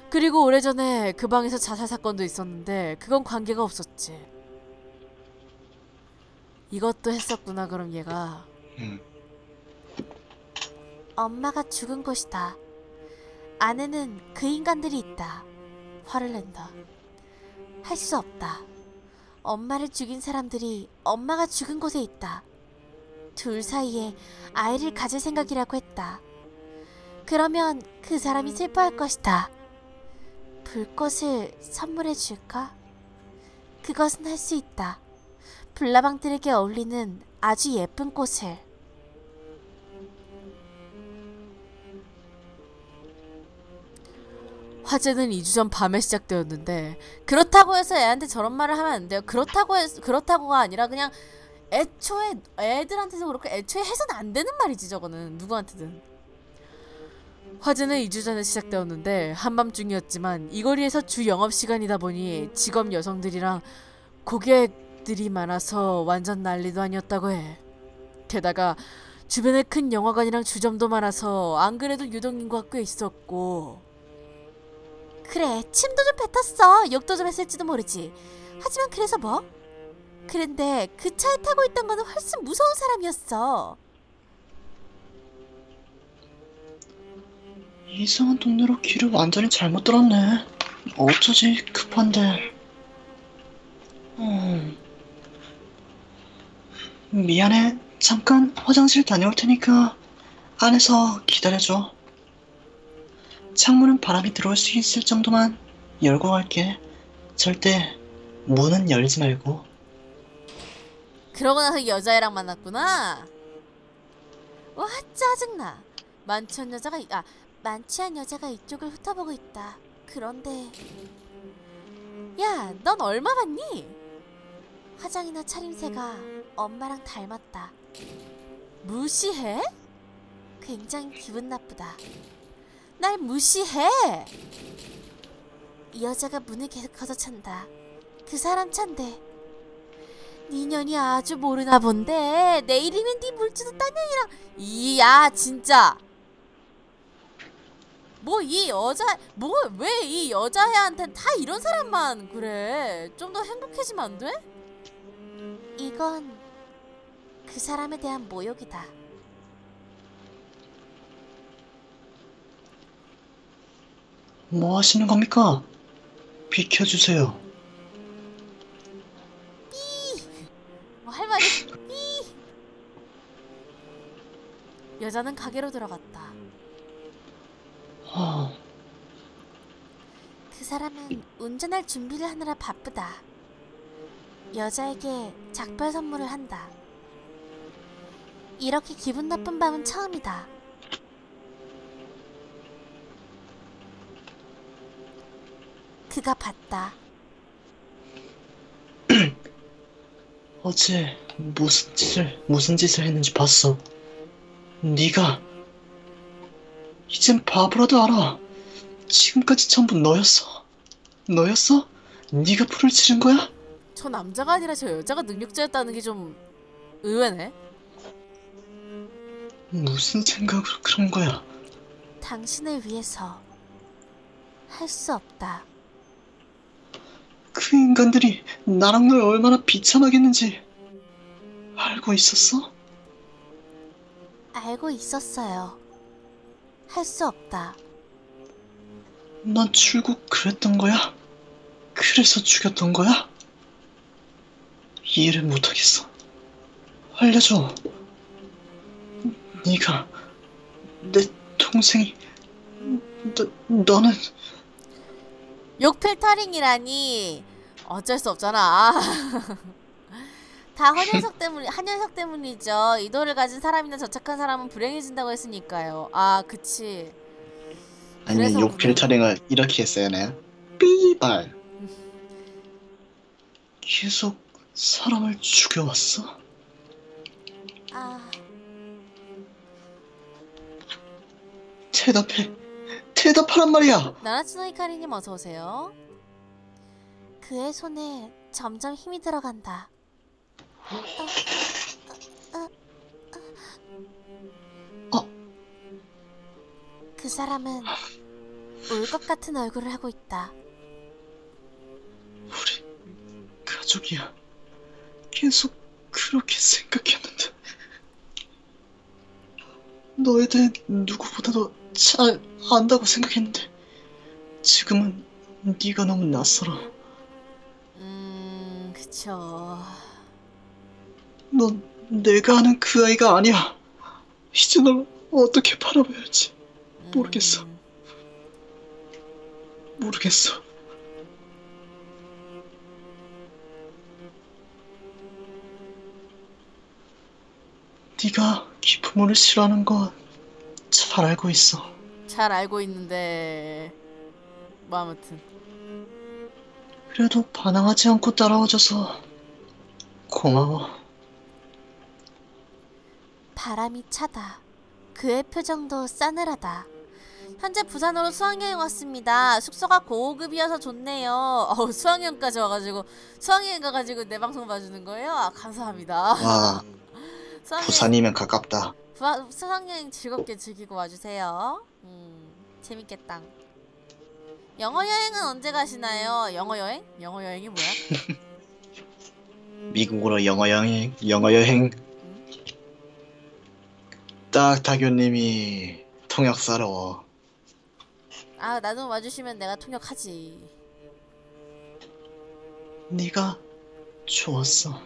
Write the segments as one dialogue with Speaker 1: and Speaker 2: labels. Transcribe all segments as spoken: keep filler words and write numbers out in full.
Speaker 1: 그리고 오래전에 그 방에서 자살 사건도 있었는데 그건 관계가 없었지. 이것도 했었구나. 그럼 얘가.
Speaker 2: 음.
Speaker 3: 엄마가 죽은 곳이다. 안에는 그 인간들이 있다. 화를 낸다. 할 수 없다. 엄마를 죽인 사람들이 엄마가 죽은 곳에 있다. 둘 사이에 아이를 가질 생각이라고 했다. 그러면 그 사람이 슬퍼할 것이다. 불꽃을 선물해 줄까? 그것은 할 수 있다. 불나방들에게 어울리는 아주 예쁜 꽃을.
Speaker 1: 화재는 이 주 전 밤에 시작되었는데 그렇다고 해서 애한테 저런 말을 하면 안 돼요. 그렇다고 해서 그렇다고가 아니라 그냥 애초에 애들한테도 그렇고 애초에 해서는 안 되는 말이지. 저거는 누구한테든. 화재는 이 주 전에 시작되었는데 한밤중이었지만 이 거리에서 주 영업시간이다 보니 직업 여성들이랑 고객들이 많아서 완전 난리도 아니었다고 해. 게다가 주변에 큰 영화관이랑 주점도 많아서 안 그래도 유동인구가 꽤 있었고.
Speaker 3: 그래, 침도 좀 뱉었어. 욕도 좀 했을지도 모르지. 하지만 그래서 뭐? 그런데 그 차에 타고 있던 거는 훨씬 무서운 사람이었어.
Speaker 2: 이상한 동네로 길을 완전히 잘못 들었네. 어쩌지, 급한데. 음. 미안해. 잠깐 화장실 다녀올 테니까 안에서 기다려줘. 창문은 바람이 들어올 수 있을 정도만 열고 갈게. 절대 문은 열지 말고.
Speaker 1: 그러고 나서 여자애랑 만났구나. 와, 짜증나. 만취한 여자가 아
Speaker 3: 만취한 여자가 이쪽을 훑어보고 있다. 그런데
Speaker 1: 야, 넌 얼마 받니?
Speaker 3: 화장이나 차림새가 엄마랑 닮았다.
Speaker 1: 무시해?
Speaker 3: 굉장히 기분 나쁘다.
Speaker 1: 날 무시해?
Speaker 3: 이 여자가 문을 계속 걷어찬다. 그 사람 찬대. 네 년이 아주 모르나 본데 내일이면 네 물주도 딴 년이랑.
Speaker 1: 이야 진짜. 뭐 이 여자 뭐 왜 이 여자애한텐 다 이런 사람만 그래. 좀 더 행복해지면 안 돼?
Speaker 3: 이건 그 사람에 대한 모욕이다.
Speaker 2: 뭐 하시는 겁니까? 비켜주세요.
Speaker 1: 뭐 할 말이 삐. 여자는 가게로 들어갔다.
Speaker 2: 하...
Speaker 3: 그 사람은 운전할 준비를 하느라 바쁘다. 여자에게 작별 선물을 한다. 이렇게 기분 나쁜 밤은 처음이다. 그가 봤다.
Speaker 2: 어제 무슨 짓을 무슨 짓을 했는지 봤어. 네가 이젠 바보라도 알아. 지금까지 전부 너였어. 너였어? 네가 불을 지른 거야?
Speaker 1: 저 남자가 아니라 저 여자가 능력자였다는 게 좀 의외네.
Speaker 2: 무슨 생각으로 그런 거야?
Speaker 3: 당신을 위해서 할 수 없다.
Speaker 2: 그 인간들이 나랑 널 얼마나 비참하겠는지 알고 있었어?
Speaker 3: 알고 있었어요. 할 수 없다.
Speaker 2: 난 출국 그랬던 거야? 그래서 죽였던 거야? 이해를 못하겠어. 알려줘. 네가 내 동생이 너, 너는
Speaker 1: 욕필터링이라니 어쩔 수 없잖아. 다 한현석 때문 한현석 때문이죠. 이도를 가진 사람이나 저착한 사람은 불행해진다고 했으니까요. 아, 그치.
Speaker 2: 아니면 욕 필터링을 이렇게 했어야 하나요? 삐발. 계속 사람을 죽여왔어?
Speaker 3: 아,
Speaker 2: 대답해. 대답하란 말이야.
Speaker 1: 나나츠노 히카리님 어서 오세요.
Speaker 3: 그의 손에 점점 힘이 들어간다.
Speaker 2: 어?
Speaker 3: 그 사람은 울 것 같은 얼굴을 하고 있다.
Speaker 2: 우리 가족이야. 계속 그렇게 생각했는데 너에 대해 누구보다도 잘 안다고 생각했는데 지금은 네가 너무 낯설어.
Speaker 1: 음, 그쵸.
Speaker 2: 넌 내가 아는 그 아이가 아니야. 이제 널 어떻게 바라봐야 할지 모르겠어.
Speaker 1: 음,
Speaker 2: 모르겠어. 네가 기품을 싫어하는 거 잘 알고 있어.
Speaker 1: 잘 알고 있는데 뭐 아무튼
Speaker 2: 그래도 반항하지 않고 따라와줘서 고마워.
Speaker 3: 바람이 차다. 그의 표정도 싸늘하다.
Speaker 1: 현재 부산으로 수학여행 왔습니다. 숙소가 고급이어서 좋네요. 어우, 수학여행까지 와가지고 수학여행 가가지고 내 방송 봐주는 거예요? 아, 감사합니다.
Speaker 2: 와,
Speaker 1: 수학여행,
Speaker 2: 부산이면 가깝다.
Speaker 1: 부하, 수학여행 즐겁게 즐기고 와주세요. 음, 재밌겠다. 영어 여행은 언제 가시나요? 영어 여행? 영어 여행이 뭐야?
Speaker 2: 미국으로 영어 여행, 영어 여행. 딱 다교님이 통역사로.
Speaker 1: 아, 나도 와주시면 내가 통역하지.
Speaker 2: 네가 좋았어.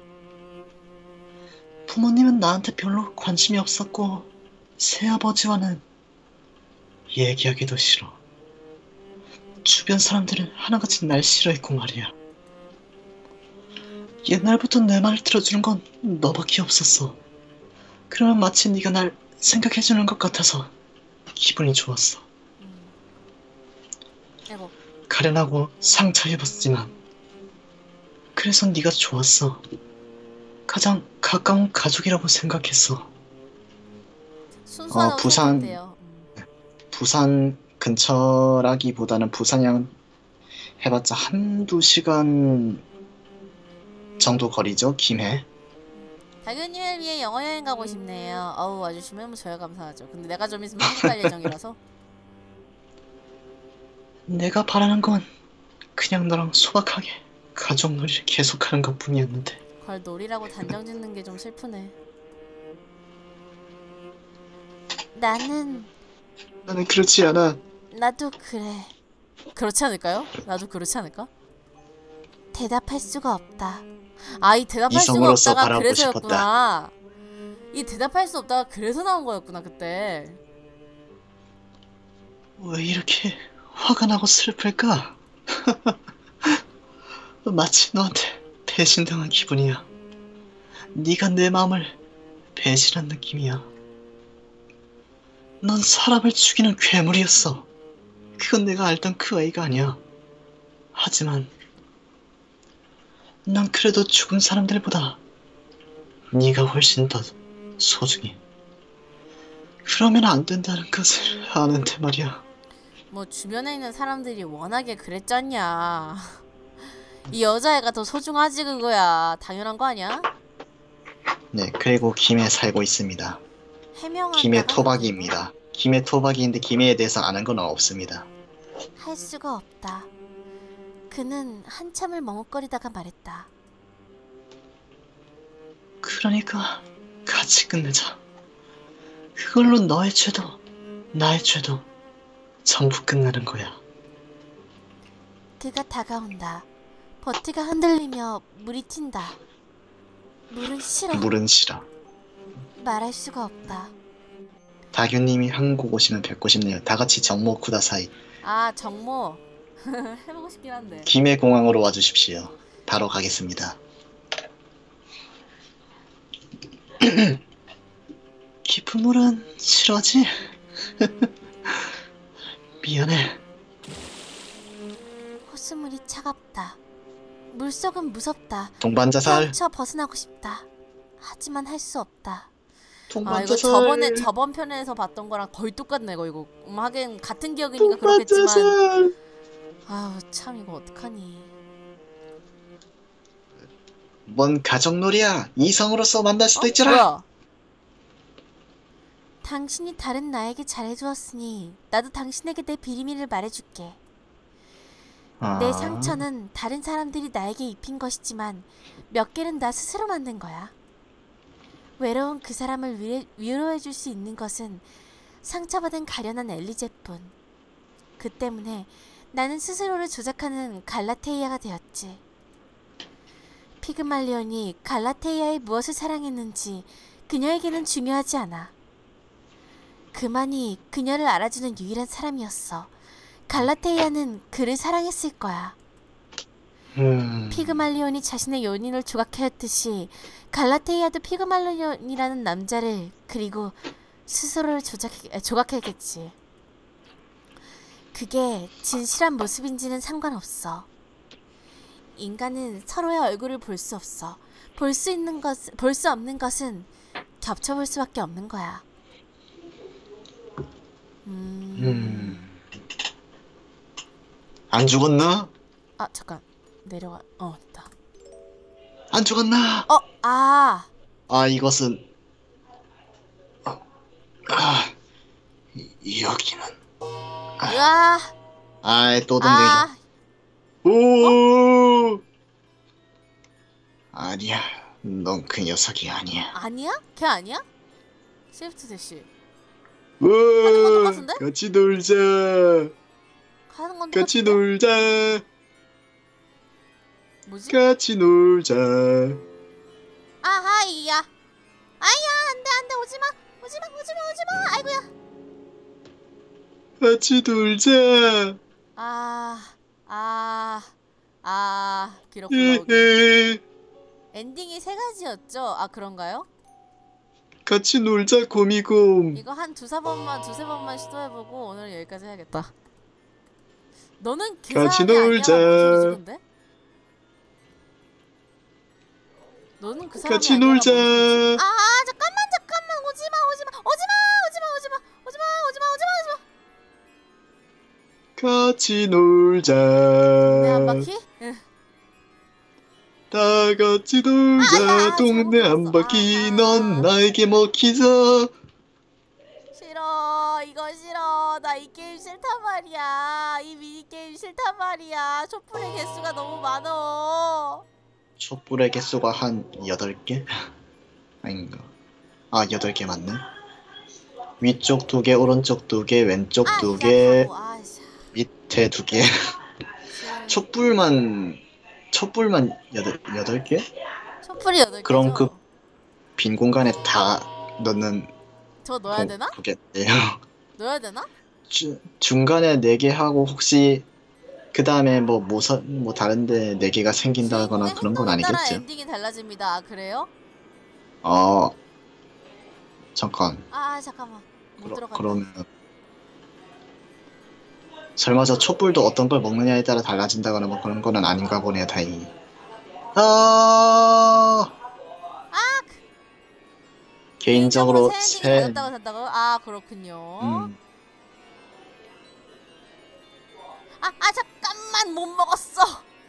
Speaker 2: 부모님은 나한테 별로 관심이 없었고 새아버지와는 얘기하기도 싫어. 주변 사람들은 하나같이 날 싫어했고 말이야. 옛날부터 내 말을 들어주는 건 너밖에 없었어. 그러면 마치 네가 날 생각해주는 것 같아서 기분이 좋았어.
Speaker 1: 음. 아이고.
Speaker 2: 가련하고 상처 입었지만 그래서 네가 좋았어. 가장 가까운 가족이라고 생각했어.
Speaker 1: 순수하다고
Speaker 2: 어, 부산-
Speaker 1: 생각돼요. 음.
Speaker 2: 부산 근처라기보다는 부산양 해봤자 한두 시간 정도 거리죠, 김해.
Speaker 1: 다교님을 위해 영어 여행 가고 싶네요. 어우, 와주시면 저야 감사하죠. 근데 내가 좀 있으면 한국 갈 예정이라서.
Speaker 2: 내가 바라는 건 그냥 너랑 소박하게 가족놀이를 계속하는 것 뿐이었는데.
Speaker 1: 그걸 놀이라고 단정 짓는 게 좀 슬프네.
Speaker 3: 나는
Speaker 2: 나는 그렇지 않아.
Speaker 3: 나도 그래.
Speaker 1: 그렇지 않을까요? 나도 그렇지 않을까?
Speaker 3: 대답할 수가 없다.
Speaker 1: 아, 이 대답할 수가
Speaker 2: 이성으로서
Speaker 1: 없다가
Speaker 2: 바라보고
Speaker 1: 그래서였구나. 이 대답할 수 없다가 그래서 나온 거였구나, 그때.
Speaker 2: 왜 이렇게 화가 나고 슬플까? 마치 너한테 배신당한 기분이야. 네가 내 마음을 배신한 느낌이야. 넌 사람을 죽이는 괴물이었어. 그건 내가 알던 그 아이가 아니야. 하지만 난 그래도 죽은 사람들보다 네가 훨씬 더 소중해. 그러면 안 된다는 것을 아는데 말이야.
Speaker 1: 뭐 주변에 있는 사람들이 워낙에 그랬잖냐. 이 여자애가 더 소중하지 그거야. 당연한 거 아니야?
Speaker 2: 네, 그리고 김해에 살고 있습니다.
Speaker 3: 해명한다가
Speaker 2: 김해 토박이입니다. 김해 토박이인데 김해에 대해서 아는 건 없습니다.
Speaker 3: 할 수가 없다. 그는 한참을 머뭇거리다가 말했다.
Speaker 2: 그러니까 같이 끝내자. 그걸로 너의 죄도 나의 죄도 전부 끝나는 거야.
Speaker 3: 그가 다가온다. 버티가 흔들리며 물이 튄다. 물은 싫어.
Speaker 2: 물은 싫어.
Speaker 3: 말할 수가 없다.
Speaker 2: 다규님이 한국 오시면 뵙고 싶네요. 다같이 정모 쿠다사이.
Speaker 1: 아, 정모. 해보고 싶긴 한데.
Speaker 2: 김해공항으로 와주십시오. 바로 가겠습니다. 깊은 물은 싫어하지? 미안해.
Speaker 3: 호수물이 차갑다. 물속은 무섭다.
Speaker 2: 동반자살.
Speaker 3: 헤엄쳐 벗어나고 싶다. 하지만 할 수 없다.
Speaker 1: 아, 이거
Speaker 2: 동반자살.
Speaker 1: 저번에 저번 편에서 봤던 거랑 거의 똑같네 이거 이거. 음, 하긴 같은 기억이니까 그렇겠지만.
Speaker 2: 동반자살.
Speaker 1: 아우, 참 이거 어떡하니.
Speaker 2: 뭔 가족놀이야. 이성으로서 만날 수도
Speaker 1: 어?
Speaker 2: 있잖아.
Speaker 1: 뭐야?
Speaker 3: 당신이 다른 나에게 잘해주었으니 나도 당신에게 내 비밀을 말해줄게.
Speaker 2: 아,
Speaker 3: 내 상처는 다른 사람들이 나에게 입힌 것이지만 몇 개는 나 스스로 만든 거야. 외로운 그 사람을 위, 위로해줄 수 있는 것은 상처받은 가련한 엘리제뿐. 그 때문에 나는 스스로를 조작하는 갈라테이아가 되었지. 피그말리온이 갈라테이아의 무엇을 사랑했는지 그녀에게는 중요하지 않아. 그만이 그녀를 알아주는 유일한 사람이었어. 갈라테이아는 그를 사랑했을 거야.
Speaker 2: 음,
Speaker 3: 피그말리온이 자신의 연인을 조각하였듯이 갈라테이아도 피그말리온이라는 남자를 그리고 스스로를 조작, 조각했겠지. 그게 진실한 모습인지는 상관없어. 인간은 서로의 얼굴을 볼 수 없어. 볼 수 있는 것, 볼 수 없는 것은 겹쳐볼 수밖에 없는 거야. 음...
Speaker 2: 음. 안 죽었나?
Speaker 3: 아 잠깐 내려가. 어 됐다.
Speaker 2: 안 죽었나?
Speaker 3: 어 아.
Speaker 2: 아, 이것은 아, 이- 여기는
Speaker 3: 으아.
Speaker 2: 아이 또 던져.
Speaker 3: 아.
Speaker 2: 오, 아니야, 넌 그 녀석이 아니야.
Speaker 3: 아니야? 걔 아니야? 시프트 대시.
Speaker 2: 오,
Speaker 3: 건 똑같은데?
Speaker 2: 같이 놀자.
Speaker 3: 하는 건
Speaker 2: 같이
Speaker 3: 똑같은데?
Speaker 2: 놀자.
Speaker 3: 뭐지?
Speaker 2: 같이 놀자.
Speaker 3: 아하이야. 아야 안돼 안돼 오지마 오지마 오지마 오지마. 아이고야.
Speaker 2: 같이 놀자.
Speaker 3: 아. 아. 아. 기록 올라오기.
Speaker 2: 에헤.
Speaker 3: 엔딩이 세 가지였죠? 아 그런가요?
Speaker 2: 같이 놀자, 고미곰.
Speaker 3: 이거 한 두세 번만 두세 번만 시도해보고 오늘 여기까지 해야겠다. 너는 그
Speaker 2: 같이
Speaker 3: 사람이
Speaker 2: 놀자.
Speaker 3: 아니야? 뭔 소리지 근데? 너는 그 사람이
Speaker 2: 같이
Speaker 3: 아니야?
Speaker 2: 놀자.
Speaker 3: 아, 아 잠깐만 잠깐만 오지마 오지마 오지마 오지마 오지마 오지마 오지마 오지마 오지마.
Speaker 2: 같이 놀자.
Speaker 3: 동네 한 바퀴? 응.
Speaker 2: 다 같이 놀자.
Speaker 3: 아, 야,
Speaker 2: 동네
Speaker 3: 잘못
Speaker 2: 한
Speaker 3: 들었어.
Speaker 2: 바퀴.
Speaker 3: 아,
Speaker 2: 넌
Speaker 3: 아.
Speaker 2: 나에게 먹히자.
Speaker 3: 싫어 이거 싫어 나 이 게임 싫단 말이야. 이 미니게임 싫단 말이야. 촛불의 개수가 너무 많어.
Speaker 2: 촛불의 개수가 한 여덟 개? 아닌가? 아, 여덟 개 맞네. 위쪽 두 개, 오른쪽 두 개, 왼쪽
Speaker 3: 아,
Speaker 2: 두
Speaker 3: 야,
Speaker 2: 개,
Speaker 3: 바보. 아, 씨.
Speaker 2: 밑에 두 개.
Speaker 3: 지금
Speaker 2: 촛불만 촛불만 여덟 여덟 개?
Speaker 3: 촛불이 여덟 개죠?
Speaker 2: 그럼 그 빈 공간에 다 넣는
Speaker 3: 저 넣어야 되나?
Speaker 2: 거겠네요.
Speaker 3: 넣어야 되나?
Speaker 2: 주, 중간에 네 개 하고 혹시 그 다음에 뭐 모서 뭐 다른데 네 개가 생긴다거나
Speaker 3: 주인공의
Speaker 2: 그런 건
Speaker 3: 행동에 따라
Speaker 2: 아니겠죠?
Speaker 3: 엔딩이 달라집니다. 아, 그래요?
Speaker 2: 어, 잠깐.
Speaker 3: 아 잠깐만 못
Speaker 2: 그러,
Speaker 3: 들어간다.
Speaker 2: 그러면 설마 저 촛불도 어떤 걸 먹느냐에 따라 달라진다거나 뭐 그런 거는 아닌가 보네요. 다행히. 아,
Speaker 3: 아
Speaker 2: 개인적으로
Speaker 3: 새
Speaker 2: 새
Speaker 3: 엔딩이 달랐다고 산다고? 아 그렇군요.
Speaker 2: 음,
Speaker 3: 아, 아 잠깐만 못 먹었어.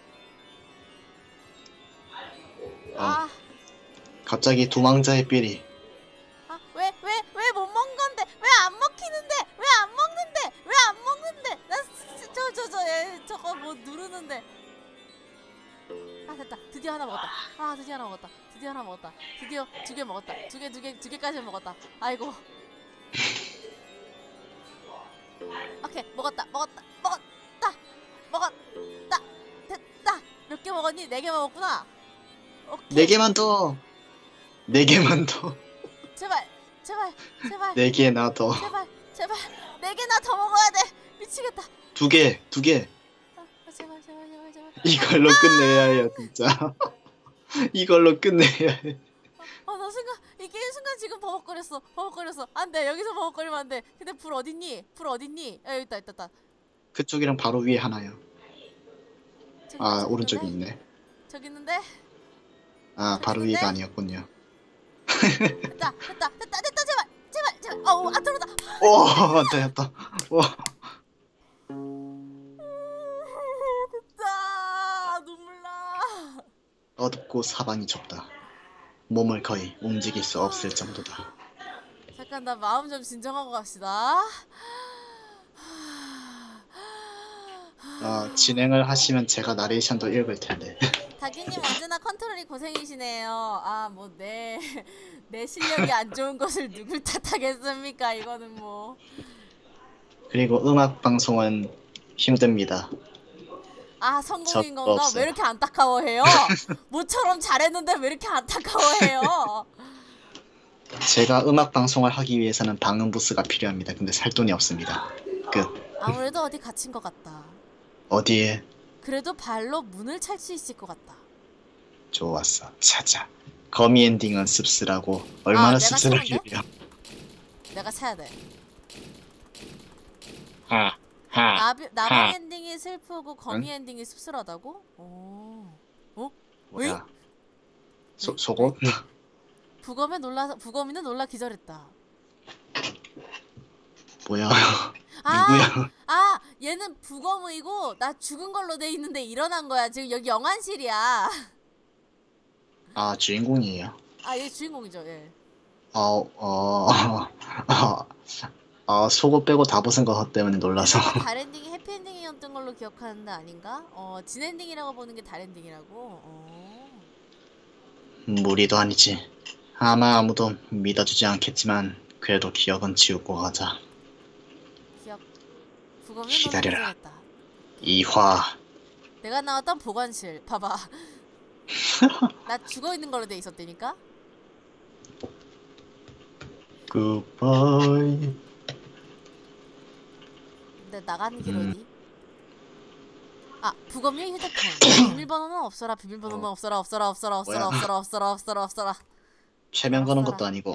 Speaker 3: 아,
Speaker 2: 갑자기 도망자의 삐리.
Speaker 3: 아, 왜, 왜, 왜 못 먹는 건데? 왜 안 먹히는데? 왜 안 먹는데? 왜 안 먹는데? 나, 저, 저, 저, 얘, 저거 뭐 누르는데. 아, 됐다. 드디어 하나 먹었다. 아, 드디어 하나 먹었다. 드디어 하나 먹었다. 드디어 두 개 먹었다. 두 개, 두 개, 두 개까지 먹었다. 아이고. 오케이, 먹었다. 먹었다. 먹었다. 먹었다. 됐다. 몇 개 먹었니? 네 개 먹었구나. 오케이.
Speaker 2: 네 개만 더. 네 개만 더.
Speaker 3: 제발, 제발, 제발.
Speaker 2: 네 개나 더.
Speaker 3: 제발 제발 네 개나 더 먹어야 돼. 미치겠다.
Speaker 2: 두 개, 두 개.
Speaker 3: 아, 아, 제발 제발 제발 제발.
Speaker 2: 이걸로 끝내야 해요, 진짜. 이걸로 끝내야 해.
Speaker 3: 아 나 순간 이 게임 순간 지금 버벅거렸어. 버벅거렸어. 안돼 여기서 버벅거리면 안돼. 근데 불 어딨니? 불 어딨니? 아, 여기 있다 있다 있다.
Speaker 2: 그쪽이랑 바로 위에 하나요.
Speaker 3: 저기,
Speaker 2: 아,
Speaker 3: 저기
Speaker 2: 오른쪽에
Speaker 3: 있는데?
Speaker 2: 있네.
Speaker 3: 저기 있는데?
Speaker 2: 아,
Speaker 3: 저기
Speaker 2: 바로
Speaker 3: 있는데?
Speaker 2: 위가 아니었군요.
Speaker 3: 됐다 됐다 됐다 됐다 제발 제발 제발. 어우 안 들어온다.
Speaker 2: 오, 됐다. 와,
Speaker 3: 됐다. 눈물 나.
Speaker 2: 어둡고 사방이 좁다. 몸을 거의 움직일 수 없을 정도다.
Speaker 1: 잠깐 나 마음 좀 진정하고 갑시다.
Speaker 2: 어, 진행을 하시면 제가 나레이션도 읽을 텐데.
Speaker 1: 다기님 언제나 컨트롤이 고생이시네요. 아 뭐 내 내 실력이 안 좋은 것을 누굴 탓하겠습니까? 이거는 뭐.
Speaker 2: 그리고 음악 방송은 힘듭니다.
Speaker 1: 아 성공인
Speaker 2: 저
Speaker 1: 건가?
Speaker 2: 없어요.
Speaker 1: 왜 이렇게 안타까워해요? 모처럼 잘했는데 왜 이렇게 안타까워해요?
Speaker 2: 제가 음악 방송을 하기 위해서는 방음 부스가 필요합니다. 근데 살 돈이 없습니다. 끝.
Speaker 1: 아무래도 어디 갇힌 것 같다.
Speaker 2: 어디에?
Speaker 1: 그래도 발로 문을 찰 수 있을 것 같다.
Speaker 2: 좋았어. 찾아. 거미 엔딩은 씁쓸하고 얼마나
Speaker 1: 아, 내가
Speaker 2: 씁쓸하길래.
Speaker 1: 내가 사야 돼.
Speaker 2: 하. 하.
Speaker 1: 나비, 나방
Speaker 2: 하.
Speaker 1: 엔딩이 슬프고 거미
Speaker 2: 응?
Speaker 1: 엔딩이 씁쓸하다고? 오. 어?
Speaker 2: 뭐야?
Speaker 1: 왜?
Speaker 2: 소, 속옷?
Speaker 1: 부검에 놀라서 부검이는 놀라 기절했다.
Speaker 2: 뭐야?
Speaker 1: 아,
Speaker 2: 누구야?
Speaker 1: 아, 얘는 부검이고 나 죽은 걸로 돼 있는데 일어난 거야. 지금 여기 영안실이야.
Speaker 2: 아, 주인공이에요.
Speaker 1: 아, 얘 주인공이죠. 예.
Speaker 2: 어, 어, 어, 어, 속옷 빼고 다 벗은 것 때문에 놀라서.
Speaker 1: 달 엔딩이 해피 엔딩이었던 걸로 기억하는데 아닌가? 어, 진 엔딩이라고 보는 게 달 엔딩이라고. 어.
Speaker 2: 무리도 아니지. 아마 아무도 믿어주지 않겠지만 그래도 기억은 지우고 가자.
Speaker 1: 기억. 부검이
Speaker 2: 기다려라.
Speaker 1: 놀라 기절했다.
Speaker 2: 이화.
Speaker 1: 내가 나왔던 보관실. 봐봐. 나 죽어 있는 걸로 돼 있었다니까.
Speaker 2: 굿바이.
Speaker 1: 근데 나가는 길
Speaker 2: 음.
Speaker 1: 어디? 아, 부검용 휴대폰. 비밀번호는 없어라. 비밀번호는
Speaker 2: 어.
Speaker 1: 없어라. 없어라. 없어라. 없어라.
Speaker 2: 뭐야?
Speaker 1: 없어라. 없어라. 없어라. 없어라.
Speaker 2: 최면 거는
Speaker 1: 알았어라.
Speaker 2: 것도 아니고.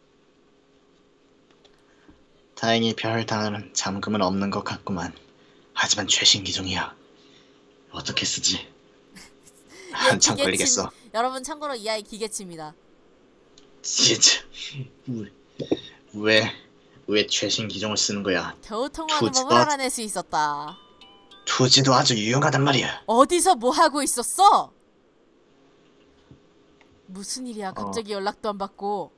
Speaker 2: 다행히 별 당하는 잠금은 없는 것 같구만. 하지만 최신 기종이야. 어떻게 쓰지? 한참
Speaker 1: 기계침.
Speaker 2: 걸리겠어.
Speaker 1: 여러분 참고로 이 아이 기계치입니다.
Speaker 2: 진짜. 왜, 왜 최신 기종을 쓰는 거야?
Speaker 1: 겨우 통화하는
Speaker 2: 투지도
Speaker 1: 법을
Speaker 2: 아주-
Speaker 1: 알아낼 수 있었다.
Speaker 2: 투지도 아주 유용하단 말이야.
Speaker 1: 어디서 뭐 하고 있었어? 무슨 일이야? 갑자기 연락도 안 받고.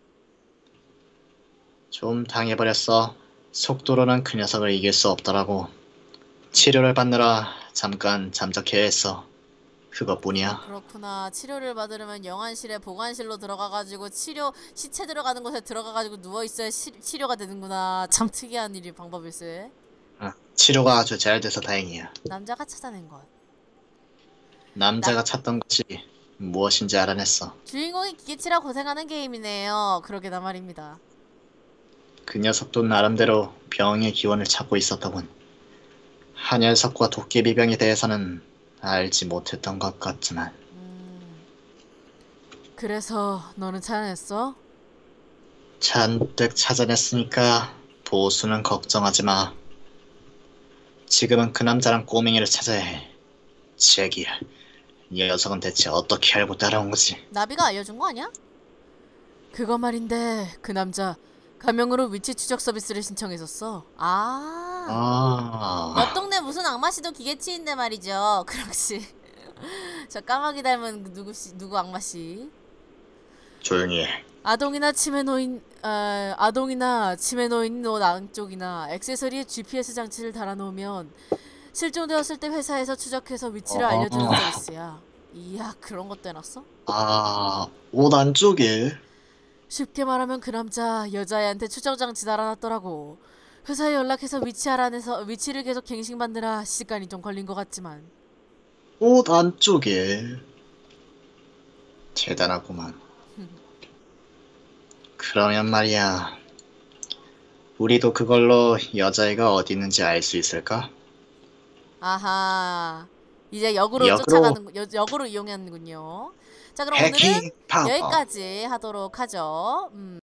Speaker 2: 좀 당해버렸어. 속도로는 그 녀석을 이길 수 없더라고. 치료를 받느라 잠깐 잠적해야 했어. 그것뿐이야.
Speaker 1: 그렇구나. 치료를 받으려면 영안실에 보관실로 들어가가지고 치료 시체 들어가는 곳에 들어가가지고 누워 있어야 시, 치료가 되는구나. 참 특이한 일이 방법일세.
Speaker 2: 어, 치료가 아주 잘 돼서 다행이야.
Speaker 1: 남자가 찾아낸 것.
Speaker 2: 남자가 찾던 것이 무엇인지 알아냈어.
Speaker 1: 주인공이 기계치라 고생하는 게임이네요. 그러게나 말입니다.
Speaker 2: 그 녀석도 나름대로 병의 기원을 찾고 있었더군. 한혈석과 도깨비병에 대해서는 알지 못했던 것 같지만.
Speaker 1: 음. 그래서 너는 찾아냈어?
Speaker 2: 잔뜩 찾아냈으니까 보수는 걱정하지 마. 지금은 그 남자랑 꼬맹이를 찾아야 해. 제기야. 이 녀석은 대체 어떻게 알고 따라온 거지?
Speaker 1: 나비가 알려준 거 아니야? 그거 말인데 그 남자 가명으로 위치 추적 서비스를 신청했었어. 아.
Speaker 2: 아,
Speaker 1: 옆 동네 무슨 악마씨도 기계치인데 말이죠. 그렇지. 저 까마귀 닮은 그 누구씨 누구 악마씨.
Speaker 2: 조용히 해.
Speaker 1: 아동이나 치매 노인 아, 아동이나 치매 노인 옷 안쪽이나 액세서리에 지피에스 장치를 달아놓으면 실종되었을 때 회사에서 추적해서 위치를
Speaker 2: 어.
Speaker 1: 알려주는 서비스야. 이야 그런 것도 해놨어?
Speaker 2: 아, 옷 안쪽에?
Speaker 1: 쉽게 말하면 그 남자 여자애한테 추적 장치 달아놨더라고. 회사에 연락해서 위치 알아내서 위치를 계속 갱신받느라 시간이 좀 걸린 것 같지만.
Speaker 2: 옷 안쪽에. 대단하구만. 그러면 말이야. 우리도 그걸로 여자애가 어디 있는지 알 수 있을까?
Speaker 1: 아하. 이제 역으로,
Speaker 2: 역으로.
Speaker 1: 쫓아가는 여, 역으로 이용하는군요. 자 그럼 오늘은
Speaker 2: 해킹 파워.
Speaker 1: 여기까지 하도록 하죠. 음.